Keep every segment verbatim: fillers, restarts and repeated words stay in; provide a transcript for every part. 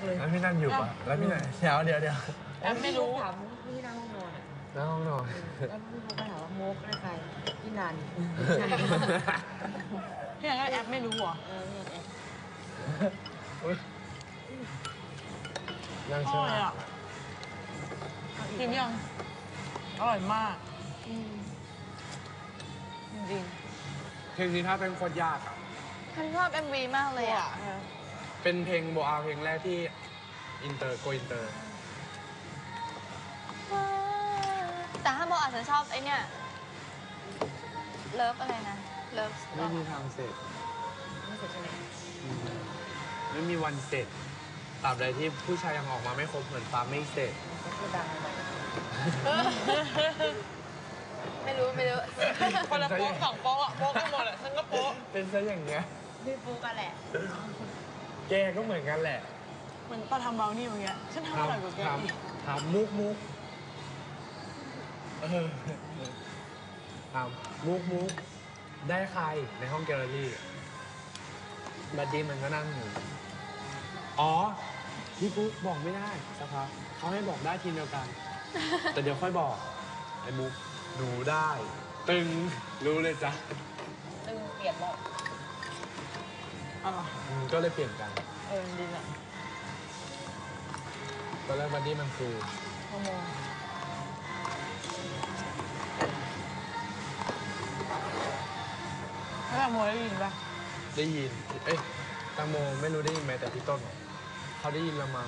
เลยแล้วพี่นั่นอยู่ปะแล้วพี่ไหนเดี๋ยวเดี๋ยวเดี๋ยวแอมไม่รู้ถามพี่นั่งห้องนอนอ่ะหน้าห้องนอนแล้วพี่เขาก็ถามว่าโมกได้ใครพี่นันพี่นันก็แอปไม่รู้เหรอเออพี่นันแอบอุ๊ยนั่งอใช่ร่ไหอมยอ่ะกินยังอร่อยมากจริงเพลงนี้ถ้าเป็นโคตรยากอ่ะฉันชอบ เอ็ม วี มากๆเลยอ่ะเป็นเพลงโบอาเพลงแรกที่อินเตอร์โกอินเตอร์แต่ถ้าโบอาจจะชอบไอเนี่ยเลิฟอะไรนะเลิฟไม่มีทางเสร็จไม่เสร็จใช่ไหมอืมไม่มีวันเสร็จตราบใดที่ผู้ชายยังออกมาไม่ครบเหมือนฟ้าไม่เสร็จก็พูดดังเลยไม่รู้ไม่รู้คนละโป๊ะสองโป๊ะอ่ะโป๊ะกันหมดอ่ะฉันก็โป๊ะเป็นซะอย่างเงี้ยพี่ปูกันแหละแกก็เหมือนกันแหละเหมือนตอนทำเบลนี่อย่างเงี้ยฉันทำอร่อยกว่าแกถามอีกถามมุกมุกเออถามมุกมุกได้ใครในห้องแกลเลอรี่บัดดี้มันก็นั่งอยู่อ๋อพี่ปุ๊กบอกไม่ได้สักพักเขาให้บอกได้ทีมเดียวกัน แต่เดี๋ยวค่อยบอกไอ้มุกหนูได้ ตึงรู้เลยจ้ะตึงเปลี่ยนบอกอ๋ออืมก็เลยเปลี่ยนกันเออดีอ่ะตอนแรกบัดดี้มันคือชั่วโมงแล้วแบบโมได้ยินปะได้ยิน เอ้ยตังโมไม่รู้ได้ยินไหมแต่พี่ต้นบอกเขาได้ยินละมั้ง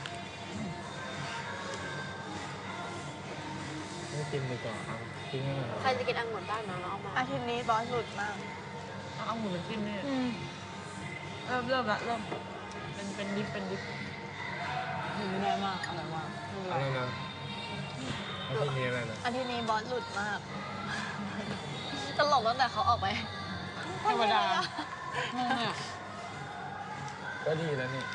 ไม่กินดีกว่าเอาทิ้งให้หน่อยใครจะกินองุ่นบ้างนะน้องมาอาทิตย์นี้บอสหลุดมากเอาเอาหมูมันจิ้มเนี่ยเริ่มเริ่มละเริ่มเป็นเป็นดิฟเป็นดิฟกินไม่ได้มากอร่อยมากไม่เป็นไรอะไรนะอาทิตย์นี้อะไรนะอาทิตย์นี้บอสหลุดมาก ตลกตั้งแต่เขาออกไปธรรมดาเนี่ยก็ดีแล้วนี่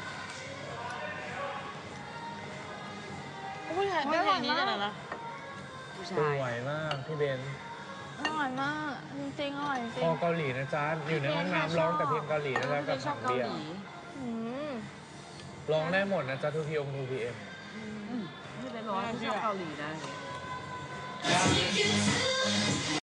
ผู้ชายเต้นเพลงนี้กันนะผู้สชายวยมากพี่เบนอร่อยมาก จริงๆอร่อยจริพอง เกาหลีนะจ๊ะ อยู่ในห้องน้ำร้องแต่เพลงเกาหลีนะจ๊ะกับชอถับงเกาเบียหร์ลีอืมร้องได้หมดนะจ๊ะทูพีองทูพีเอ็มไม่เป็นร้อยที่ชอบเกาหลีนะเนี่ย